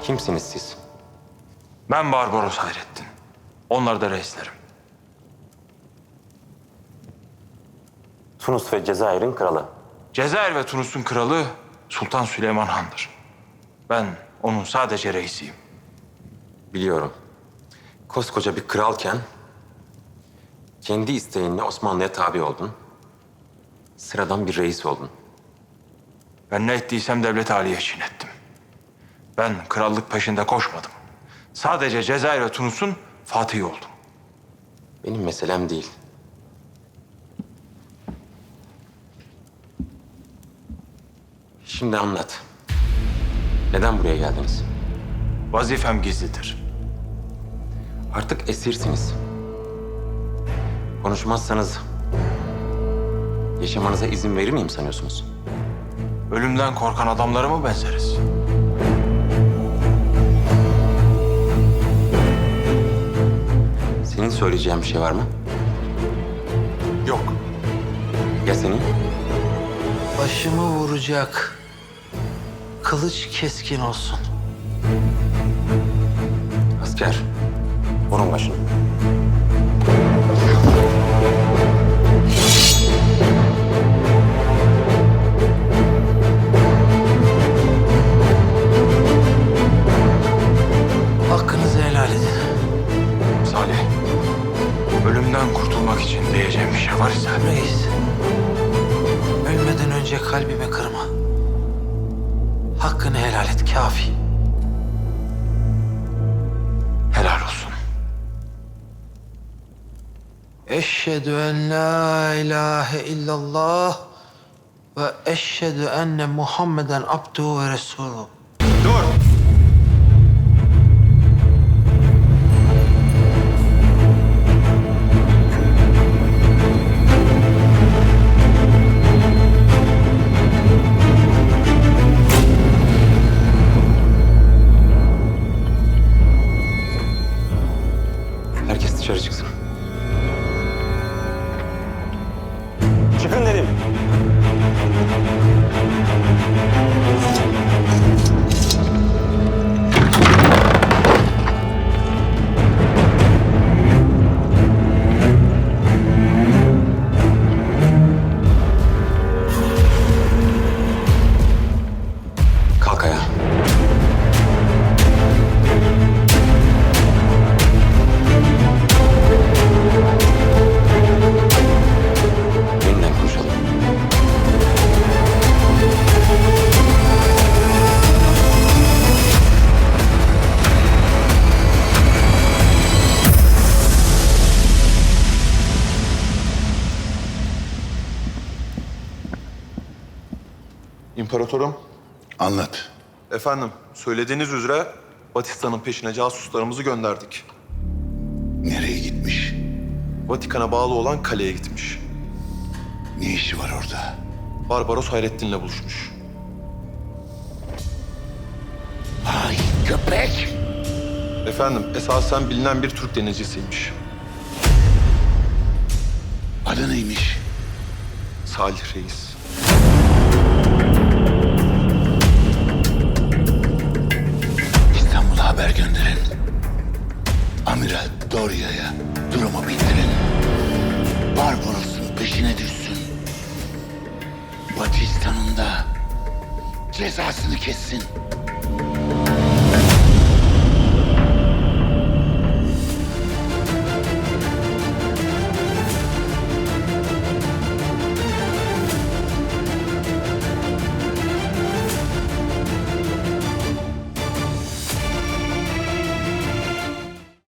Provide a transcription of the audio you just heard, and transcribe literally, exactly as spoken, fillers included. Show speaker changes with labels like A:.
A: Kimsiniz siz?
B: Ben Barbaros Hayrettin. Onlar da reislerim.
A: Tunus ve Cezayir'in kralı.
B: Cezayir ve Tunus'un kralı Sultan Süleyman Han'dır. Ben onun sadece reisiyim.
A: Biliyorum. Koskoca bir kralken kendi isteğinle Osmanlı'ya tabi oldun. Sıradan bir reis oldun.
B: Ben ne ettiysem devlet aliye için ettim. Ben krallık peşinde koşmadım. Sadece Cezayir ve Tunus'un fatihi oldum.
A: Benim meselem değil. Şimdi anlat. Neden buraya geldiniz?
B: Vazifem gizlidir.
A: Artık esirsiniz. Konuşmazsanız yaşamanıza izin verir miyim sanıyorsunuz?
B: Ölümden korkan adamlara mı benzeriz?
A: Senin söyleyeceğin bir şey var mı?
B: Yok.
A: Ya senin?
C: Başımı vuracak. Kılıç keskin olsun.
A: Asker, vurun başını.
C: Hakkınızı helal edin.
B: Salih, ölümden kurtulmak için diyeceğim bir şey var ise...
C: Reis, ölmeden önce kalbimi kırma. Hakkını helal et, kafi.
B: Helal olsun.
C: Eşhedü en la ilahe illallah ve eşhedü enne Muhammeden abduhu ve resuluhu.
B: Dur!
A: Herkes dışarı çıksın. Çıkın dedim. Kalk ayağa. Yeniden konuşalım.
D: İmparatorum,
E: Anlat.
D: efendim söylediğiniz üzere Vatikan'ın peşine casuslarımızı gönderdik.
E: Nereye gitmiş?
D: Vatikan'a bağlı olan kaleye gitmiş.
E: Ne işi var orada?
D: Barbaros Hayrettin'le buluşmuş.
E: Ay köpek!
D: Efendim esasen bilinen bir Türk denizcisiymiş.
E: Adı neymiş?
D: Salih Reis.
E: İstanbul'a haber gönderin. Amiral Doria'ya durumu bildirin. Barbaros'un peşine düşsün. Vatikan'ın da cezasını kessin.